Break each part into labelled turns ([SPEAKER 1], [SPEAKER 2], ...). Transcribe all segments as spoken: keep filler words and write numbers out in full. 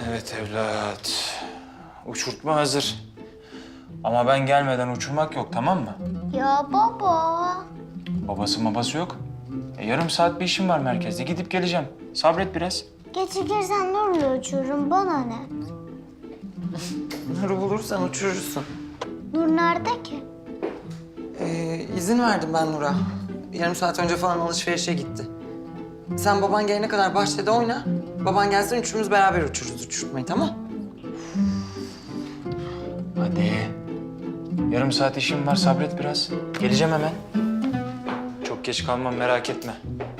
[SPEAKER 1] Evet evlat. Uçurtma hazır. Ama ben gelmeden uçurmak yok, tamam mı?
[SPEAKER 2] Ya baba.
[SPEAKER 1] Babası babası yok. E, yarım saat bir işim var merkezde. Gidip geleceğim. Sabret biraz.
[SPEAKER 2] Gecikirsen Nur'la uçururum, bana ne?
[SPEAKER 3] Nur'u bulursan uçurursun.
[SPEAKER 2] Nur nerede ki?
[SPEAKER 3] Ee, izin verdim ben Nur'a. Yarım saat önce falan alışverişe gitti. Sen baban gelene kadar bahçede oyna. Baban gelsin üçümüz beraber uçururuz uçurtmayı, tamam?
[SPEAKER 1] Hadi. Yarım saat işim var, sabret biraz. Geleceğim hemen. Çok geç kalmam, merak etme.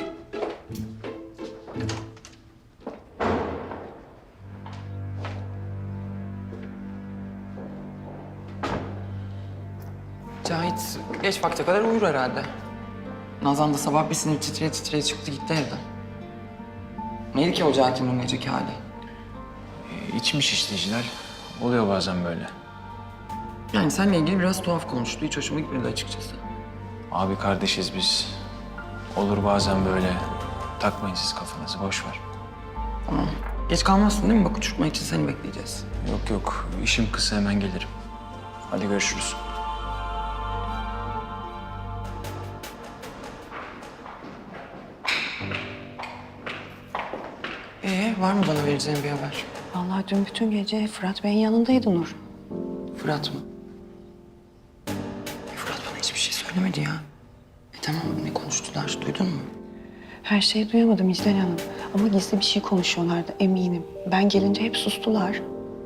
[SPEAKER 3] Cahit geç vakte kadar uyur herhalde. Nazan da sabah bir sinir titreye titreye çıktı gitti evden. Neydi ki o Cahit'in o geceki hali?
[SPEAKER 1] E, içmiş işte Hilal. Oluyor bazen böyle.
[SPEAKER 3] Yani seninle ilgili biraz tuhaf konuştu. Hiç hoşuma gitmedi açıkçası.
[SPEAKER 1] Abi kardeşiz biz. Olur bazen böyle. Takmayın siz kafanızı, boş ver.
[SPEAKER 3] Tamam. Geç kalmazsın değil mi? Bak uçurtma için seni bekleyeceğiz.
[SPEAKER 1] Yok yok, işim kısa, hemen gelirim. Hadi görüşürüz.
[SPEAKER 3] Ee, var mı bana vereceğin bir haber?
[SPEAKER 4] Vallahi dün bütün gece Fırat Bey'in yanındaydı Nur.
[SPEAKER 3] Fırat mı? E, Fırat bana hiçbir şey söylemedi ya. E tamam, ne konuştular? Duydun mu?
[SPEAKER 4] Her şeyi duyamadım İclal Hanım. Ama gizli bir şey konuşuyorlardı eminim. Ben gelince hep sustular.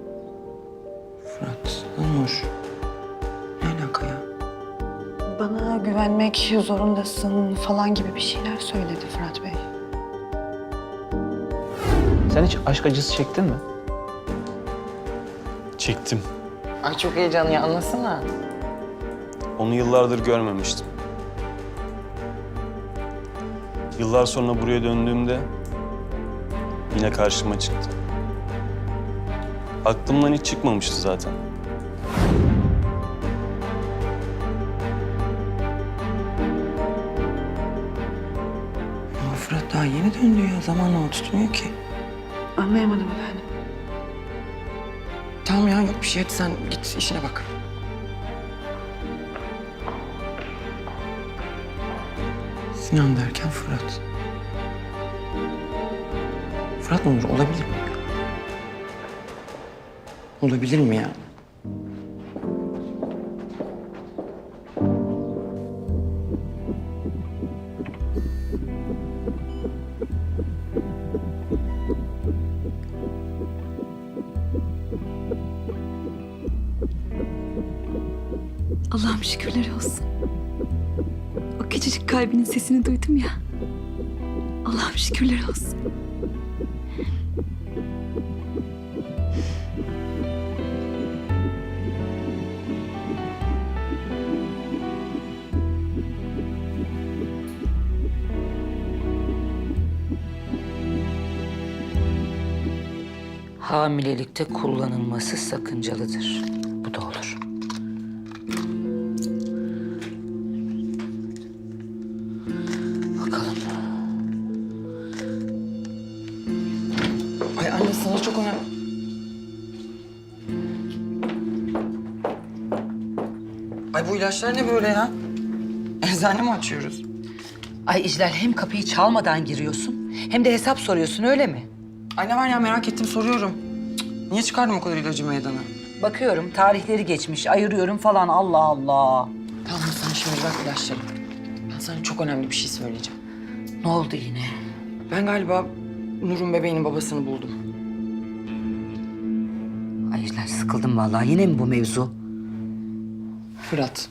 [SPEAKER 3] Fırat, Nur. Ne alaka ya?
[SPEAKER 4] Bana güvenmek zorundasın falan gibi bir şeyler söyledi Fırat Bey.
[SPEAKER 5] Sen hiç aşk acısı çektin mi?
[SPEAKER 6] Çektim.
[SPEAKER 3] Ay çok heyecanlı ya, anlasana.
[SPEAKER 6] Onu yıllardır görmemiştim. Yıllar sonra buraya döndüğümde yine karşıma çıktı. Aklımdan hiç çıkmamıştı zaten.
[SPEAKER 3] Ama Fırat daha yeni döndü ya. Zamanla o tutmuyor ki.
[SPEAKER 4] Anlayamadım efendim.
[SPEAKER 3] Tamam ya, yok bir şey. Hadi sen git işine bak. Sinan derken Fırat. Fırat mı olur? Olabilir mi? Olabilir mi ya?
[SPEAKER 7] Allah'ım şükürler olsun. O küçücük kalbinin sesini duydum ya. Allah'ım şükürler olsun.
[SPEAKER 8] Hamilelikte kullanılması sakıncalıdır. Bu da olur. Bakalım.
[SPEAKER 3] Ay anne, sana çok önemli. Ay bu ilaçlar ne böyle ya? Eczane mi açıyoruz?
[SPEAKER 8] Ay İclal, hem kapıyı çalmadan giriyorsun hem de hesap soruyorsun, öyle mi?
[SPEAKER 3] Ay ne var ya, merak ettim, soruyorum. Cık, niye çıkardım o kadar ilacı meydana?
[SPEAKER 8] Bakıyorum tarihleri geçmiş, ayırıyorum falan, Allah Allah.
[SPEAKER 3] Tamam sen şimdi bırak ilaçları. Ben sana çok önemli bir şey söyleyeceğim.
[SPEAKER 8] Ne oldu yine?
[SPEAKER 3] Ben galiba Nur'un bebeğinin babasını buldum.
[SPEAKER 8] Ay İclal, sıkıldım vallahi. Yine mi bu mevzu?
[SPEAKER 3] Fırat.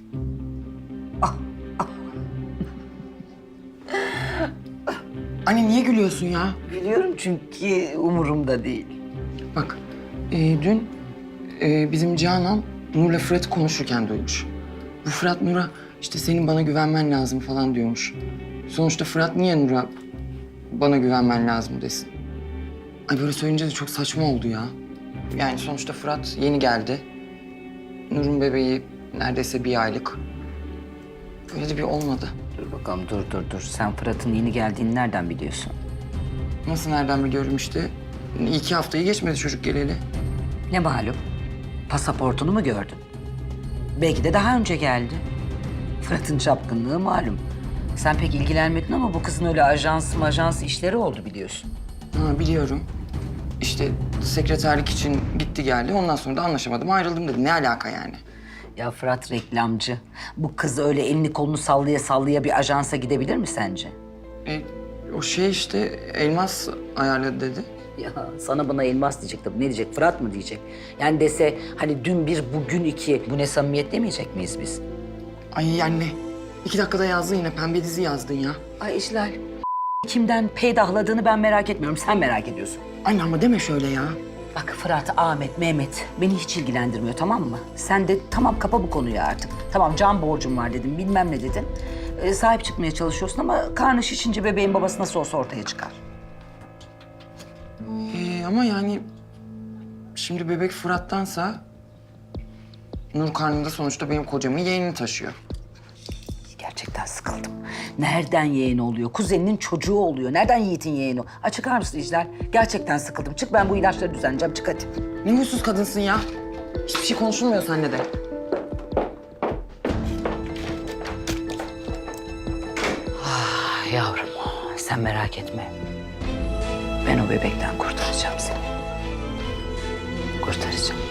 [SPEAKER 3] Anne niye gülüyorsun ya?
[SPEAKER 8] Biliyorum çünkü umurumda değil.
[SPEAKER 3] Bak, e, dün e, bizim Canan Nur'la Fırat'ı konuşurken duymuş. Bu Fırat Nur'a işte senin bana güvenmen lazım falan diyormuş. Sonuçta Fırat niye Nur'a bana güvenmen lazım desin? Ay böyle söyleyince de çok saçma oldu ya. Yani sonuçta Fırat yeni geldi. Nur'un bebeği neredeyse bir aylık. Öyle de bir olmadı.
[SPEAKER 8] Dur bakalım, dur dur dur. Sen Fırat'ın yeni geldiğini nereden biliyorsun?
[SPEAKER 3] Nasıl nereden biliyorum işte? İki haftayı geçmedi çocuk geleli.
[SPEAKER 8] Ne malum? Pasaportunu mu gördün? Belki de daha önce geldi. Fırat'ın çapkınlığı malum. Sen pek ilgilenmedin ama bu kızın öyle ajans majans işleri oldu biliyorsun.
[SPEAKER 3] Ha, biliyorum. İşte sekreterlik için gitti geldi. Ondan sonra da anlaşamadım, ayrıldım dedi. Ne alaka yani?
[SPEAKER 8] Ya Fırat reklamcı. Bu kız öyle elini kolunu sallaya sallaya bir ajansa gidebilir mi sence?
[SPEAKER 3] E, o şey işte Elmas ayarladı dedi.
[SPEAKER 8] Ya sana bana elmas diyecek tabii. Ne diyecek? Fırat mı diyecek? Yani dese hani dün bir, bugün iki. Bu ne samimiyet demeyecek miyiz biz?
[SPEAKER 3] Ay anne. iki dakikada yazdın yine. Pembe dizi yazdın ya.
[SPEAKER 8] Ay İclal. Kimden peydahladığını ben merak etmiyorum. Sen merak ediyorsun.
[SPEAKER 3] Anne ama deme şöyle ya.
[SPEAKER 8] Bak Fırat, Ahmet, Mehmet beni hiç ilgilendirmiyor tamam mı? Sen de tamam kapa bu konuyu artık. Tamam can borcum var dedim bilmem ne dedin. Ee, sahip çıkmaya çalışıyorsun ama karnı şişince bebeğin babası nasıl olsa ortaya çıkar.
[SPEAKER 3] Ee, ama yani şimdi bebek Fırat'tansa Nur karnında sonuçta benim kocamın yeğenini taşıyor.
[SPEAKER 8] Gerçekten sıkıldım. Nereden yeğeni oluyor? Kuzeninin çocuğu oluyor. Nereden Yiğit'in yeğeni? Ay çıkar mısın İclal? Gerçekten sıkıldım. Çık ben bu ilaçları düzenleyeceğim. Çık hadi.
[SPEAKER 3] Ne huysuz kadınsın ya. Hiçbir şey konuşulmuyor seninle de.
[SPEAKER 8] Ah yavrum sen merak etme. Ben o bebekten kurtaracağım seni. Kurtaracağım.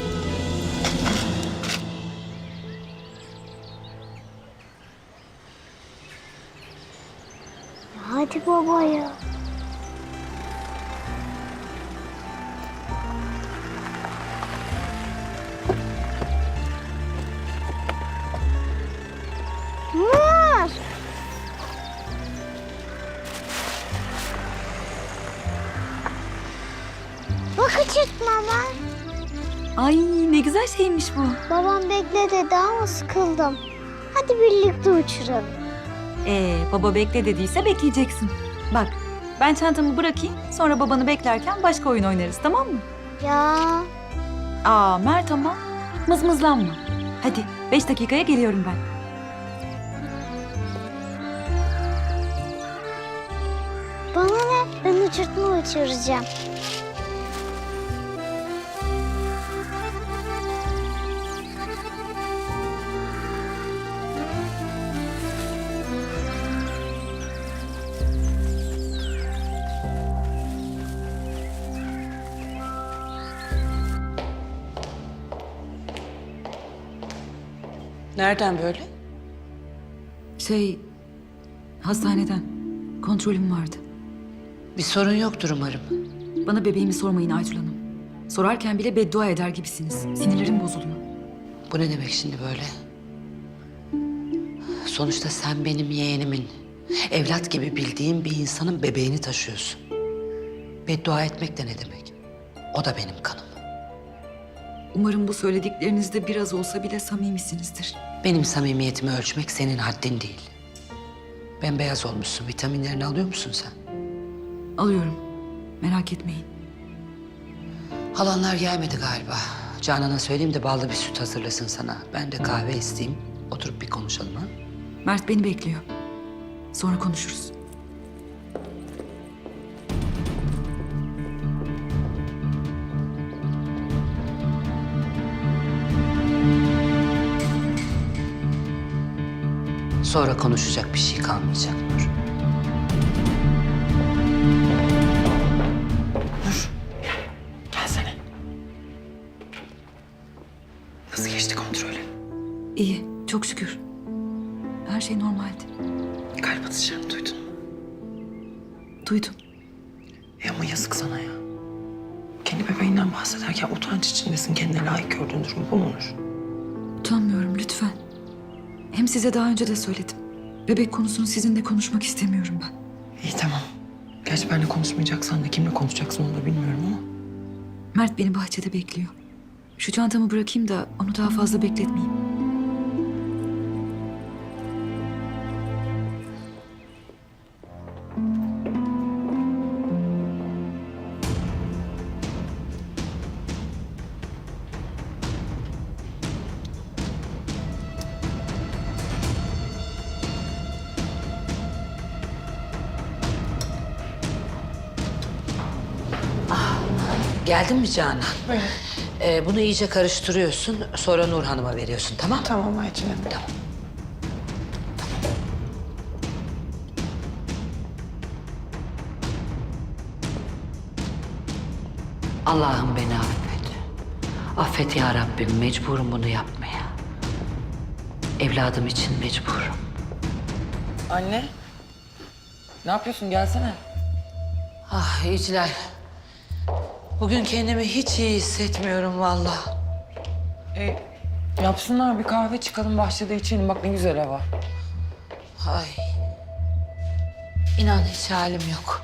[SPEAKER 2] Hadi baba ya. Nur! Bak açırtma ben.
[SPEAKER 7] Ay ne güzel şeymiş bu.
[SPEAKER 2] Babam bekle dedi ama sıkıldım. Hadi birlikte uçuralım.
[SPEAKER 7] Ee, baba bekle dediyse bekleyeceksin. Bak ben çantamı bırakayım sonra babanı beklerken başka oyun oynarız tamam mı?
[SPEAKER 2] Ya
[SPEAKER 7] Aa Mert ama mızmızlanma. Hadi beş dakikaya geliyorum ben.
[SPEAKER 2] bana ne? Ben uçurtma uçuracağım.
[SPEAKER 3] Nereden böyle?
[SPEAKER 7] Şey hastaneden kontrolüm vardı.
[SPEAKER 8] Bir sorun yoktur umarım.
[SPEAKER 7] Bana bebeğimi sormayın Aytül Hanım. Sorarken bile beddua eder gibisiniz. Sinirlerim bozuldu.
[SPEAKER 8] Bu ne demek şimdi böyle? Sonuçta sen benim yeğenimin, evlat gibi bildiğim bir insanın bebeğini taşıyorsun. Beddua etmek de ne demek? O da benim kanım.
[SPEAKER 7] Umarım bu söylediklerinizde biraz olsa bile samimisinizdir.
[SPEAKER 8] Benim samimiyetimi ölçmek senin haddin değil. Bembeyaz olmuşsun. Vitaminlerini alıyor musun sen?
[SPEAKER 7] Alıyorum. Merak etmeyin.
[SPEAKER 8] Halanlar gelmedi galiba. Canan'a söyleyeyim de ballı bir süt hazırlasın sana. Ben de kahve isteyeyim. Oturup bir konuşalım ha.
[SPEAKER 7] Mert beni bekliyor. Sonra konuşuruz.
[SPEAKER 8] Sonra konuşacak bir şey kalmayacak Nur.
[SPEAKER 3] Gelsene. Nasıl geçti kontrolü?
[SPEAKER 7] İyi, çok şükür. Her şey normaldi.
[SPEAKER 3] Kalp atışlarını duydun mu?
[SPEAKER 7] Duydum.
[SPEAKER 3] E ama yazık sana ya. Kendi bebeğinden bahsederken utanç içindesin. Kendine layık gördüğün durum bu mu Nur?
[SPEAKER 7] Utanmıyorum lütfen. Hem size daha önce de söyledim. Bebek konusunu sizinle konuşmak istemiyorum ben.
[SPEAKER 3] İyi tamam. Gerçi benimle konuşmayacaksan da kimle konuşacaksın onu da bilmiyorum ama.
[SPEAKER 7] Mert beni bahçede bekliyor. Şu çantamı bırakayım da onu daha fazla bekletmeyeyim.
[SPEAKER 8] Ah Geldin mi Canan? Ee, bunu iyice karıştırıyorsun. Sonra Nur Hanım'a veriyorsun, tamam mı?
[SPEAKER 4] Tamam Ayçin Hanım.
[SPEAKER 8] Tamam. Allah'ım beni affet. Affet ya Rabbim, mecburum bunu yapmaya. Evladım için mecburum.
[SPEAKER 3] Anne. Ne yapıyorsun? Gelsene.
[SPEAKER 8] Ah İclal. Bugün kendimi hiç iyi hissetmiyorum vallahi.
[SPEAKER 3] E, yapsınlar bir kahve çıkalım bahçede içelim. Bak ne güzel hava.
[SPEAKER 8] Ay. İnan hiç halim yok.